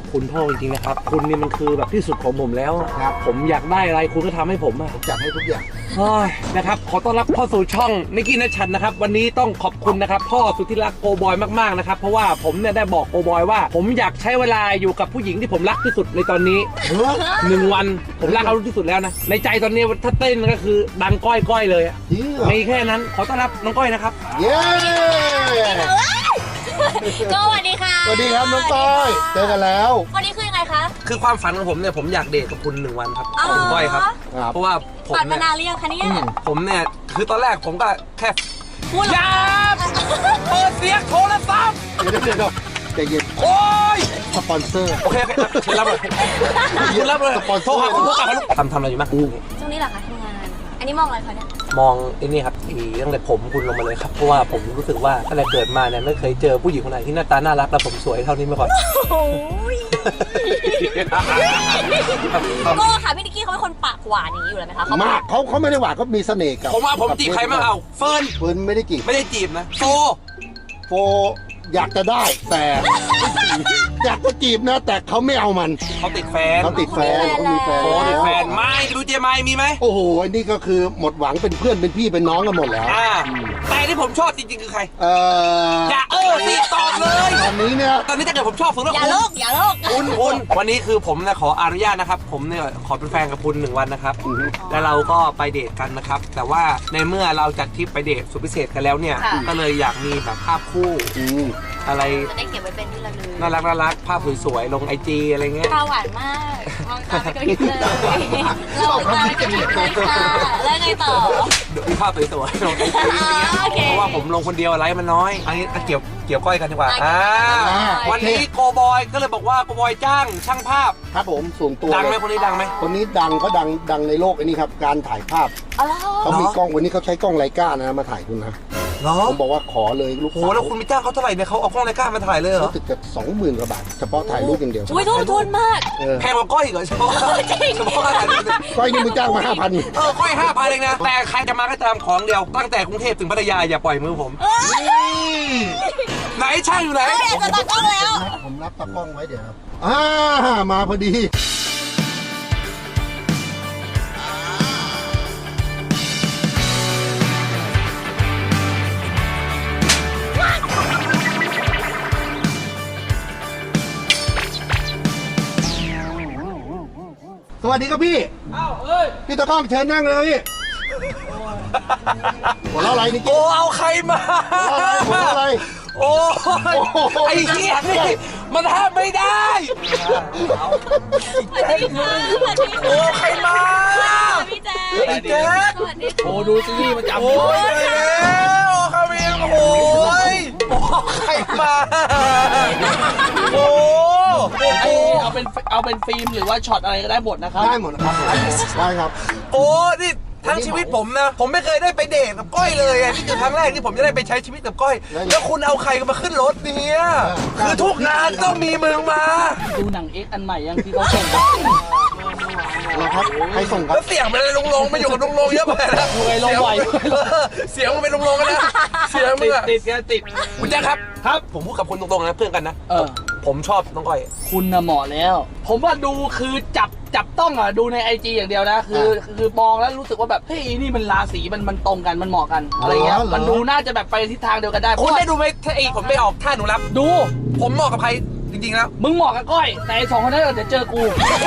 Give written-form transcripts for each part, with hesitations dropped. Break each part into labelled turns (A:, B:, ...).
A: คุณพ่อจริงๆนะครับคุณนี่มันคือแบบที่สุดของผมแล้วครับผมอยากได้อะไรคุณก็ทำให้ผมอะ
B: ผมจัดให้ทุกอย่าง
A: นะครับขอต้อนรับเข้าสู่ช่องนิกกี้นัชชันนะครับวันนี้ต้องขอบคุณนะครับพ่อสุดที่รักโกบอยมากๆนะครับเพราะว่าผมเนี่ยได้บอกโกบอยว่าผมอยากใช้เวลาอยู่กับผู้หญิงที่ผมรักที่สุดในตอนนี้1 วันผมรักเขาที่สุดแล้วนะในใจตอนนี้ถ้าเต้นก็คือดังก้อยๆเลยไม่แค่นั้นขอต้อนรับน้องก้อยนะครับ
B: เย้
C: ก็สวัสดีค่ะ
B: สวัสดีครับน้องก้อยเจอกันแล้ว
C: วันนี้คือยังไงคะ
A: คือความฝันของผมเนี่ยผมอยากเดทกับคุณ1 วันครับคุณก้อยครับเพราะว่าผม
C: ฝันมานานหรือยังคะเนี่ย
A: ผมเนี่ยคือตอนแรกผมก็แค่ยาเปิดเสียงโทรศัพท์
B: เดี๋ยวใจเย็น
A: โอ้ย
B: สปอนเซอร์
A: โอเคเชิญรับเลยคุณรับเลย
B: สปอนเซอร์
A: โทรหาคุณพ่อกลับมาลูกทำอะไรอยู่มั้ง
C: ช่วงนี้เหรอคะทำงานอันนี้มองอะไรคะเนี่ย
A: มองไอ้นี่ครับตั้งแต่ผมคุณลงมาเลยครับเพราะว่าผมรู้สึกว่าตั้งแต่เกิดมาเนี่ยไม่เคยเจอผู้หญิงคนไหนที่หน้าตาน่ารักและผมสวยเท่านี้มาก่อน
C: โอ้ยก็ค่ะพี่นิกกี้เขาเป็นคนปากหวานอย่างนี้อยู่แล้วไหมคะ
B: มากเขาไม่ได้หวานเขามีเสน่ห์กับ
A: ผมจีบใครมาเอาเฟิร์น
B: ไม่ได้จีบ
A: นะโฟ
B: อยากจะได้แต่อยากจะจีบนะแต่เขาไม่เอามัน
A: เขาติดแฟน
B: เขามีแฟน
A: ติดแฟนไม่ดูเจมายมีไหม
B: โอ้โหอันนี้ก็คือหมดหวังเป็นเพื่อนเป็นพี่เป็นน้องกันหมดแล้ว
A: แต่ที่ผมชอบจริงๆคือใครอย่าสิตอบเลยตอนนี้ถ้าเกิดผมชอบสุดแล้ว
C: อย่าโลก
A: คุณวันนี้คือผมนะขออนุญาตนะครับผมเนี่ยขอเป็นแฟนกับคุณ1 วันนะครับแล้วเราก็ไปเดทกันนะครับแต่ว่าในเมื่อเราจัดทริปไปเดทสุดพิเศษกันแล้วเนี่ยก็เลยอยากมีแบบภาพคู่อะไร
C: จะได้เก็บไว้เป็นที่ระลึก
A: น่ารักภาพสวยๆลงIGอะไรเงี้ย
C: ตาหวานมากมองตาไม่กระพริบเลยเราตาไม่กระพริบเลยค่ะแล้วไงต่อ
A: มีภาพสวยๆลงIGเพราะว่าผมลงคนเดียวไลค์มันน้อยอันนี้เกี่ยวก้อยกันดีกว่าวันนี้โกบอยก็เลยบอกว่าโกบอยจ้างช่างภาพ
B: ครับผมส่วนตัว
A: ดังไหมคนนี้ดังไหม
B: คนนี้ดังก็ดังในโลกอันนี้ครับการถ่ายภาพเขามีกล้องวันนี้เขาใช้กล้องไลกานะมาถ่ายคุณนะผมบอกว่าขอเลยลูก
A: โอ้แล้วคุณมีจ้างเขาเท่าไหร่เนี่ยเขาเอากล้องไลกามาถ่ายเลยเหรอ
B: รู้สึกจะ20,000 กว่าบาทเฉพาะถ่ายรูปอย่างเดียว
C: อุ้ยทุนมาก
A: แพงกว่าก้อยเหรอเฉพาะ
B: ก้อยนี่มึงจ้างมา5,000
A: ก้อย5,000เองนะแต่ใครจะมาก็ตามของเดียวตั้งแต่กรุงเทพถึงพัทยาอย่าปล่อยมือผมไหนช่างอยู่ไหน
C: จะตัดกล้องแล้ว
B: ผมรับตากล้องไว้เดี๋ยวครับมาพอดีสวัสดีครับพี่พี่ตะก้องเชิญนั่งเลยพี่หัวเราะอะไรนี่
A: เอาใครมา
B: หัวเราะอะไร
A: โอ้ยไอ้เหี้ยนี่มันห้ามไม่ได้โอ้ใครมา
C: พี่แจ๊ค
A: ไอ้แจ๊คโอ้ดูซีรีส์มันจับโอ้ยแล้วคารินโอ้ยใครมาโอ้
D: เอาเป็นฟิล์มหรือว่าช็อตอะไรก็ได้หมดนะครับ
B: ได้หมดครับได้ครับ
A: โอ้นี่ทั้งชีวิตผมนะผมไม่เคยได้ไปเดทกับก้อยเลยนี่คือครั้งแรกที่ผมจะได้ไปใช้ชีวิตกับก้อยแล้วคุณเอาใครมาขึ้นรถเนี่ยคือทุกงานต้องมีมึงมา
D: ดูหนังเอ็กอันใหม่ยังที่เขาส่ง
B: ครับใครส่งครับ
A: แล้วเสียงมันลุงๆมาอยู่กับลุงๆเยอะไปนะ
D: ลงไหว
A: เสียงมันเป็นลุงๆกันนะเสียงมึง
D: ติด
A: คุณแจ๊คครับผมพูดกับคุณตรงๆนะเพื่อนกันนะผมชอบน้องก้อย
D: คุณน่ะเหมาะแล้วผมว่าดูคือจับต้องดูใน IG อย่างเดียวนะคือมองแล้วรู้สึกว่าแบบเฮ้ยนี่มันราศีมันตรงกันมันเหมาะกันอะไรเงี้ยมันดูน่าจะแบบไปทิศทางเดียวกันได้
A: คุณได้ดูไหมถ้าผมไม่ออกท่าหนูรับ
D: ดู
A: ผมเหมาะกับใครจริงๆแล้ว
D: มึงเหมาะกับก้อยแต่2 คนนั้นเดี๋ยวเจอกู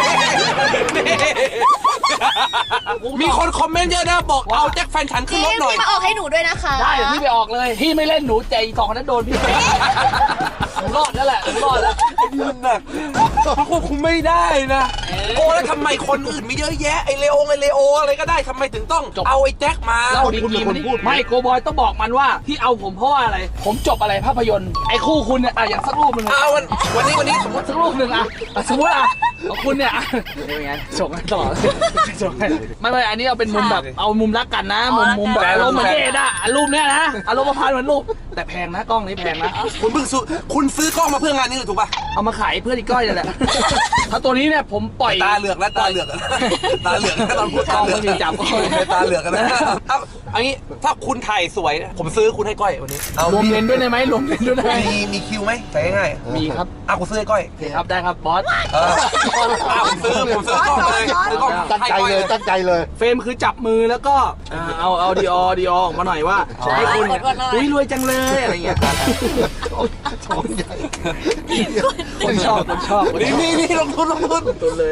A: มีคนคอมเมนต์เยอะนะบอกเอาแจ็คแฟนฉันขึ้นรถหน่อย
C: พี่มาออกให้หนูด้วยนะคะ
D: ได้เดี๋ยวพี่ไปออกเลยพี่ไม่เล่นหนูใจ2 คนนั้นโดนพี่รอดแล้วแหละรอดแล้ว
A: หนักควบคุมไม่ได้นะโอ้แล้วทำไมคนอื่นมีเยอะแยะไอเลโออะไรก็ได้ทำไมถึงต้องเอาไอ้แจ็คมา
D: เราดีกีมันไม่โกบอยต้องบอกมันว่าที่เอาผมเพราะว่าอะไรผมจบอะไรภาพยนตร์ไอ้คู่คุณเนี่ยอย่างสักรูปนึง
A: วันนี้
D: สมมติสักรูปนึงสมมติของคุณเนี่ยเป็นไงส่งให้ตลอดส่งให้ไม่อันนี้เอาเป็นมุมแบบเอามุมรักกันนะมุมแบบอารมณ์เหมือนเดทอะรูปเนี้ยนะอารมณ์ประพันธ์เหมือนรูปแต่แพงนะกล้องนี้แพงนะ
A: คุณซื้อกล้องมาเพื่องานนี้ถูกป่ะ
D: เอามาขายเพื่อนอีกก้อยนี่แหละถ้าตัวนี้เนี่ยผมปล่อย
A: ตาเหลือกแล้วตาเหลือกตาเหลือกตอนพูด
D: กล้องไม่มีจับกล้อง
A: ตาเหลือกกันนะอันนี้ถ้าคุณถ่ายสวยผมซื้อคุณให้ก้อยวันนี้
D: รวมเลนด้วยได้ไหมรวมเลนด้วยได้ไหม
A: มีคิวไหมใส่ง่าย
D: มีครับ
A: กูซื้อให้ก้อย
D: โอเคครับได้ครับบอส
A: ผมซื้อกล้องเลยซื้อกล้อง
B: ตั้งใจเลยตั้งใจเลย
D: เฟรมคือจับมือแล้วก็เอาดีอออกมาหน่อยว่าให้คุณเนี่ยอุ้ยรวยจังเลยอะไรเงี้ย
B: ท้องใหญ่
D: คนชอบ
A: นี่ลงทุน
D: ตุนเลย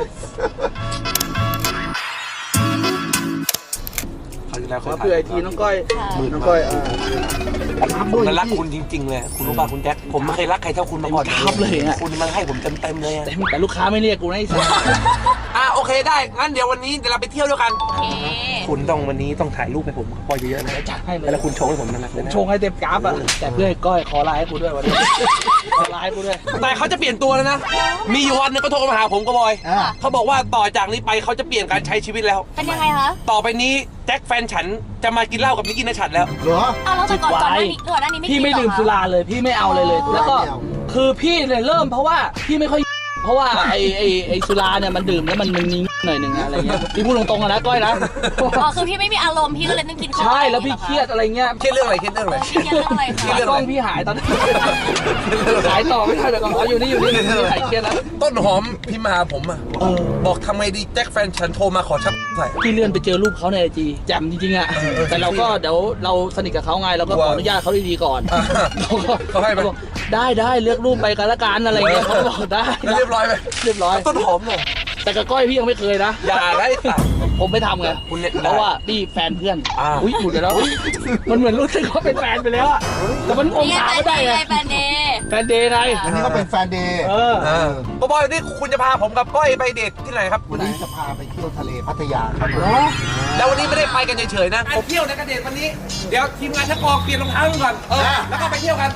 A: แล้ว
D: เพื่อไอทีน้องก้อยน้องก้อย
A: ผมรักคุณจริงๆเลยคุณรู้ป่ะคุณแจ็คผมไม่เคยรักใครเท่าคุณมาก่อน
D: ทับเลยอ่ะ
A: คุณมันให้ผมเต็มเลย
D: แต่ลูกค้าไม่เรียกกูนะไอ้สัส
A: โอเคได้งั้นเดี๋ยววันนี้เราไปเที่ยวด้วยกัน
C: โอเค
A: คุณวันนี้ต้องถ่ายรูปให้ผมกับก้อยเยอะๆนะ
D: จัดให้เลย
A: แล้วคุณโชว์ให้ผมนะ
D: ผมชงให้เต็มกราฟอ่ะแต่เพื่อให้ก้อยขอไลน์ให้กูด้วยวันนี้ขอไลน์ให้กูด้วย
A: แต่เขาจะเปลี่ยนตัวแล้วนะมีอยู่วันนึงก็โทรมาหาผมก็บอยเขาบอกว่าต่อจากนี้ไปเขาจะเปลี่ยนการใช้ชีวิตแล้ว
C: เป็นยังไงคะ
A: ต่อไปนี้แจ็คแฟนฉันจะมากินเหล้ากับนิกกี้นชัดแล้ว
B: เหรอ
C: เอาแล้วแต่ก่อนหน้านี้ไม่
D: พี่ไม่
C: กินเหรอ
D: ดื่มสุราเลยพี่ไม่เอาเลย แล้วก็
B: ไม่เอา
D: คือพี่เนี่ยเริ่มเพราะว่าพี่ไม่ค่อยเพราะว่าไอสุราเนี่ยมันดื่มแล้วมันมีหน่อยหนึ่งอะไรเงี้ยพี่พูดตรงๆนะก้อยนะ
C: อ๋อคือพี่ไม่มีอารมณ์พี่ก็เลยต้องกินข้าว
D: ใช่แล้วพี่เครียดอะไรเงี้ย
A: เครียดเรื่องอะไรเครียดเรื่องอะไร
C: เครียดเรื่องอะไร
A: เครียด
C: คะ
A: เรื่อง
D: กล้องพี่หายตอนนี้ขายต่อไม่ได้แต่ก่อนเอาอยู่นี่หายเครียดแล้ว
A: ต้นหอมพิมพ์มาหาผมอ่ะบอกทำไงดีแจ็คแฟนฉันโทรมาขอชักใส่
D: พี่เลื่อนไปเจอรูปเขาในไอจีแจ่มจริงๆอ่ะแต่เราก็เดี๋ยวเราสนิทกับเขาไงเราก็ขออนุญาตเขาดีๆก่อนเขาให้บอกได้เลือกรูปไปกันละกันอะไรเงี้ยเขาบอกได้
A: เรียบร้อยไหม
D: เรียบร้อย
A: ต้นหอมเลย
D: แต่กับก้อยพี่ยังไม่เคยนะ
A: อย่าได้สัตว์
D: ผมไม่ทำไง
A: คุณเนี่ย
D: เพราะว่านี่แฟนเพื่อน
A: อุ้
D: ยหลุดไปแล้วมันเหมือนรู้สึกว่าเป็นแฟนไปแล้วอะแต่มันอง
C: นี่
D: ศา
C: แฟ
D: ไม่
C: น
D: ได้
C: เด
D: ไง
C: ย์แฟนเดย์
D: แฟนเดย์ไง
B: อันนี้ก็เป็นแฟนเดย์
A: ก็บอยนี่คุณจะพาผมกับก้อยไปเดทที่ไหนครับ
B: วันนี้จะพาไปเที่ยวทะเลพัทยาครับ
A: แล้ววันนี้ไม่ได้ไปกันเฉยๆนะไปเที่ยวในกระเดทวันนี้เดี๋ยวทีมงานชักออกเปลี่ยนรองเท้าก่อนแล้วก็ไปเที่ยวกัน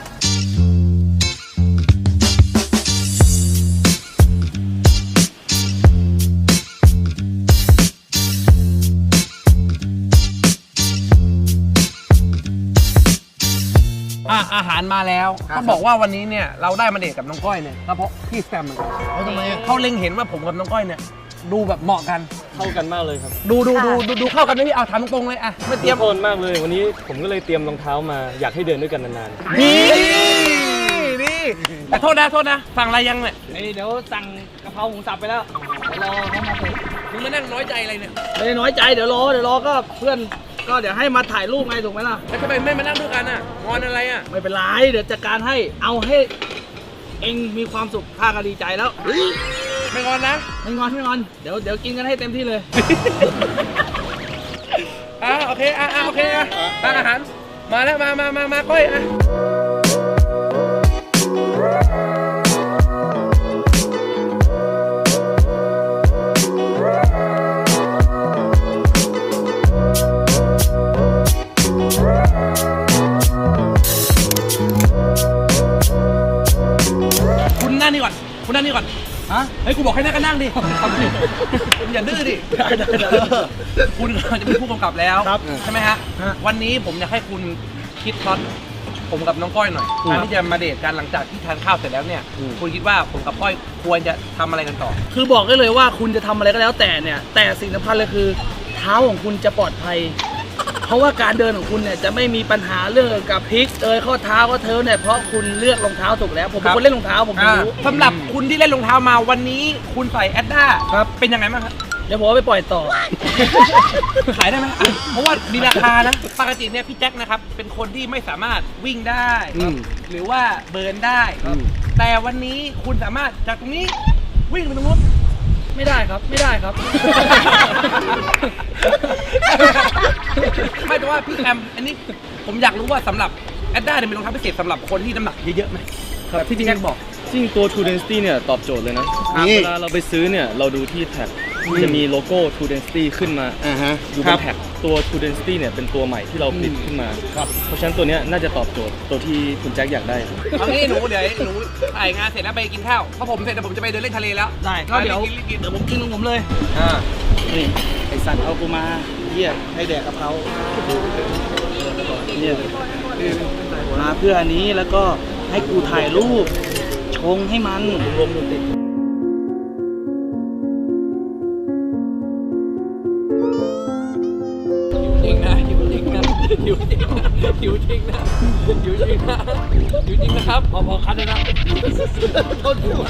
A: อาหารมาแล้วต้องบอกว่าวันนี้เนี่ยเราได้มาเดทกับน้องก้อยเนี่ยก็เพราะพี่แซมเหมือนกัน
B: ทำไม
A: เขาเล็งเห็นว่าผมกับน้องก้อยเนี่ยดูแบบเหมาะกัน
E: เข้ากันมากเลยครับ
A: ดูเข้ากันไหมพี่เอาถามตรงๆเลยอะไม่เตรียม
E: โทนมากเลยวันนี้ผมก็เลยเตรียมรองเท้ามาอยากให้เดินด้วยกันนาน
A: นี่แต่โทษนะฟังอะไรยังเนี่ย
D: เดี๋ยวสั่งกะเพราหมูสับไปแล้วเดี๋ยวรอเขามาเสร็จ
A: มึงมานั่งน้อยใจอะไรเนี่ย
D: ไม่ได้น้อยใจเดี๋ยวรอก็เพื่อนก็เดี๋ยวให้มาถ่ายรูปไงถูกไหมล่ะ
A: แล้วทำไมไม่มานั่งด้วยกันอะงอนอะไรอะ
D: ไม่เป็นไรเดี๋ยวจัดการให้เอาให้เองมีความสุขข้าก็ดีใจแล้ว
A: ไม่งอนนะ
D: ไม่งอนเดี๋ยวกินกันให้เต็มที่เลย
A: โอเคโอเคตั้งอาหารมาแล้วมาก้อยอะคุณนั่งนี่ก่อน
D: ฮะ
A: เฮ้ยกูบอกให้นั่งก็นั่งดิคุณอย่าดื้อดิ คุณจะเป็นผู้กำกับแล้วใช่ไหมฮะ วันนี้ผมอยากให้คุณคิดพล็อตผมกับน้องก้อยหน่อยการที่จะมาเดทกันหลังจากที่ทานข้าวเสร็จแล้วเนี่ย คุณคิดว่าผมกับก้อยควรจะทำอะไรกันต่อ
D: คือบอกได้เลยว่าคุณจะทำอะไรก็แล้วแต่เนี่ยแต่สิ่งสำคัญเลยคือเท้าของคุณจะปลอดภัย เพราะว่าการเดินของคุณเนี่ยจะไม่มีปัญหาเรื่องกับพลิกข้อเท้าก็เท้าเนี่ยเพราะคุณเลือกรองเท้าถูกแล้วผมเป็นคนเล่นรองเท้าผมรู้
A: สำหรับคุณที่เล่นรองเท้ามาวันนี้คุณใส่แอดด้าเป็นยังไงบ้างครับ
D: เดี๋ยวผมเอาไปปล่อยต่อ
A: ขายได้ไหมเพราะว่ามีราคานะปกติเนี่ยพี่แจ็คนะครับเป็นคนที่ไม่สามารถวิ่งได้หรือว่าเบิร์นได้แต่วันนี้คุณสามารถจากตรงนี้วิ่งไปตรงนู้น
D: ไม่ได้ครับ
A: ไม่แต่ว่าพี่แอมอันนี้ผมอยากรู้ว่าสำหรับแอดด้าเนี่ยเป็นรองเท้าพิเศษสำหรับคนที่น้ำหนักเยอะๆไหมแบบที่พี่แจ็คบอก
E: ๆจริงตัว True Density เนี่ยตอบโจทย์เลยนะ
B: นี่
E: เวลาเราไปซื้อเนี่ยเราดูที่แท็กจะมีโลโก้ True Density ขึ้นมา
B: ฮะ
E: อยู่บนแท็กตัว True Density เนี่ยเป็นตัวใหม่ที่เราผลิตขึ้นมา เพราะฉะนั้นตัวเนี้ยน่าจะตอบโจทย์ตัวที่คุณแจ็คอยากได้ครับ
A: เอางี้หนูเดี๋ยวหนูถ่ายงานเสร็จแล้วไปกินข้าวเพราะผมเสร็จแล้วผมจะไปเดินเล่นทะเลแล้ว
D: ได้ก็เดี๋ยวผมกินของผมเลย นี่ไอสัตว์เอากูมาเหี้ยให้แดกกับเขาเนี่ยมาเพื่ออันนี้แล้วก็ให้กูถ่ายรูปชงให้มันรวมติด
A: จริงนะหิวจริงนะหิวจริงนะหิวจริงนะหิวจริงนะหิวจริงนะครับพอคัดเลยนะต้นด้วย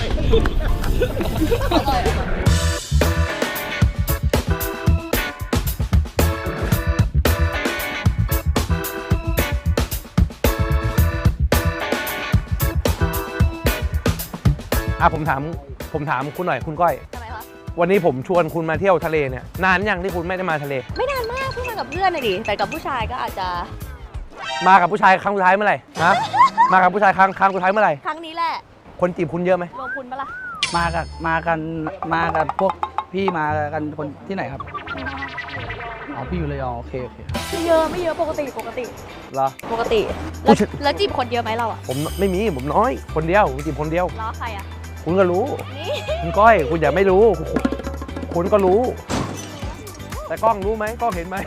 A: ผมถามคุณหน่อยคุณก้อย
C: ทำไมคะ
A: วันนี้ผมชวนคุณมาเที่ยวทะเลเนี่ยนานยังที่คุณไม่ได้มาทะเล
C: ไม่นานมากเพิ่งมากับเพื่อนเลยดิแต่กับผู้ชายก็อาจจะ
A: มากับผู้ชายครั้งสุดท้ายเมื่อไหร่ฮะมากับผู้ชายครั้งสุดท้ายเมื่อไหร่
C: ครั้งนี้แหละ
A: คนจีบคุณเยอะไหม
C: รวมคุณปะล่ะ
D: มากันพวกพี่มากันคนที่ไหนครับอ๋อพี่อยู่เลยอ๋อโอเค
C: ไม่เยอะปกติ
A: เหรอ
C: ปกติ
A: ผู้ชาย
C: แล้วจีบคนเยอะไหมเราอ่ะ
A: ผมไม่มีผมน้อยคนเดียวผมจีบคนเดียว
C: ล้อใครอ่ะ
A: คุณก็รู้
C: นี่
A: คุณก้อยคุณอย่าไม่รู้ คุณก็รู้ แต่กล้องรู้ไหมกล้องเห็นไหม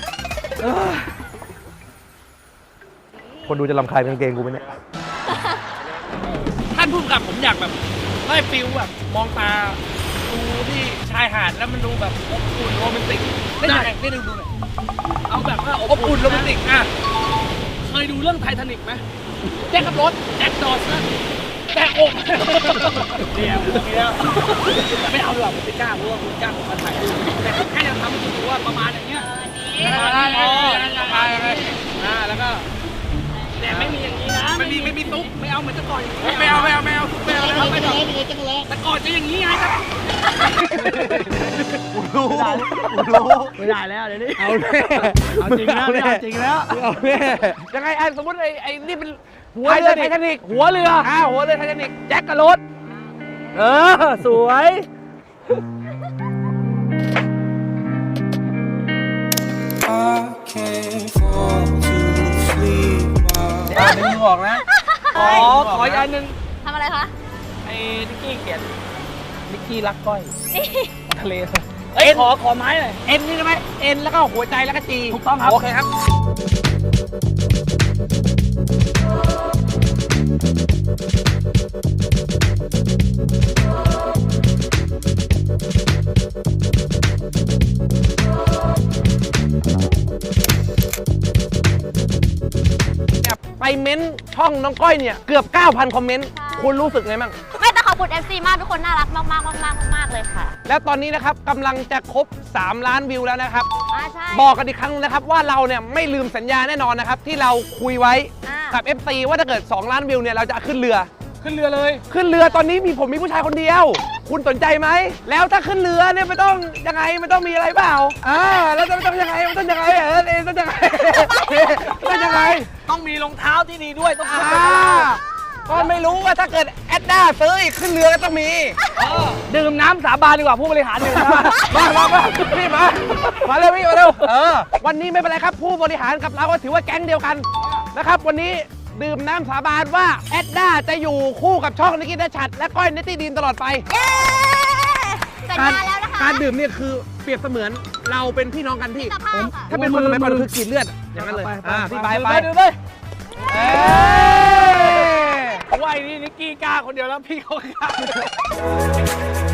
A: คนดูจะรำคาญกางเกงกูไหมเนี่ยท่านผู้กำกับผมอยากแบบได้ฟิลแบบมองตาดูที่ชายหาดแล้วมันดูแบบอบอุ่นโรแมนติกได้ได้ดูหน่อยเอาแบบว่าอบอุ่นโรแมนติกอ่ะเคยดูเรื่องไททานิกไหมแจ็คขับรถแจ็คดอสนะแจ็คอกเดี๋ยวไม่เอาหรอกไม่กล้าเพราะว่าคุณจ้างผมมาถ่ายรูปแต่แค่จะทำให้คุณดูว่าประมาณอย่างเงี้ยแล้วก็แต่ไม่มีอย่างนี้นะไม่มีตุ๊บไม่เอาเหมือนตะก่อนไม่เอาตุ๊บไม่เอาไม่เอาแต่ก่อนจะอย่างนี้ไงครับรู้ไม่ได้แล้วเดี๋ยวนี้เอาจริงแล้วจริงแล้วเอาแน่ยังไงสมมติไอ้นี่เป็นหัวเรือไททานิกหัวเรือหัวเรือไททานิกแจ็คกับรถสวยดึงออกนะขออีกอันหนึ่ง
C: ทำอะไรคะ
A: ไอ้นิกกี้เขียนนิกกี้รักก้อย
C: นี่
A: ทะเลเอ้ยขอไม้หน่อยเอ็นนี่ใช่ไหมเอ็นแล้วก็หัวใจแล้วก็จีถูกต้องครับโอเคครับไปเม้นช่องน้องก้อยเนี่ยเกือบ 9,000 คอมเมนต์คุณรู้สึกไงบ้าง
C: ไม่แต่ขอบคุณ FC มากทุกคนน่ารักมากเลยค่ะ
A: แล้วตอนนี้นะครับกำลังจะครบ3 ล้านวิวแล้วนะครับ
C: ใช่
A: บอกกันอีกครั้งนะครับว่าเราเนี่ยไม่ลืมสัญญาแน่นอนนะครับที่เราคุยไว้กับ FC ว่าถ้าเกิด2 ล้านวิวเนี่ยเราจะขึ้นเรือเลยขึ้นเรือตอนนี้ผมมีผู้ชายคนเดียว คุณสนใจไหมแล้วถ้าขึ้นเรือเนี่ยไม่ต้องยังไงไม่ต้องมีอะไรเปล่าแล้วจะต้องยังไงต้องยังไงต้องยังไงต้องยังไงต้องมีรองเท้าที่ดีด้วยต้องก็ไม่รู้ว่าถ้าเกิดแอดด้าซื้ออีกขึ้นเรือก็ต้องมีดื่มน้ำสาบานดีกว่าผู้บริหารดื่มมาพี่มาเร็วพี่มาเร็ววันนี้ไม่เป็นไรครับผู้บริหารกับเราก็ถือว่าแก๊งเดียวกันนะครับวันนี้ดื่มน้ำสาบานว่าแอดด้าจะอยู่คู่กับช่องนิกกี้ณชัดและก้อยเนตตี้ดีนตลอดไป
C: สัญญาแล้วนะคะ
A: การดื่มเนี่ยคือเปรียบเสมือนเราเป็นพี่น้องกันพี่ถ้าเป็นคนสมัยก่อนคือกรีดเลือดอย่างนั้นเลยพี่ไปดื่มเลยว่าไอ้นี่นิกกี้กล้าคนเดียวแล้วพี่เขากล้า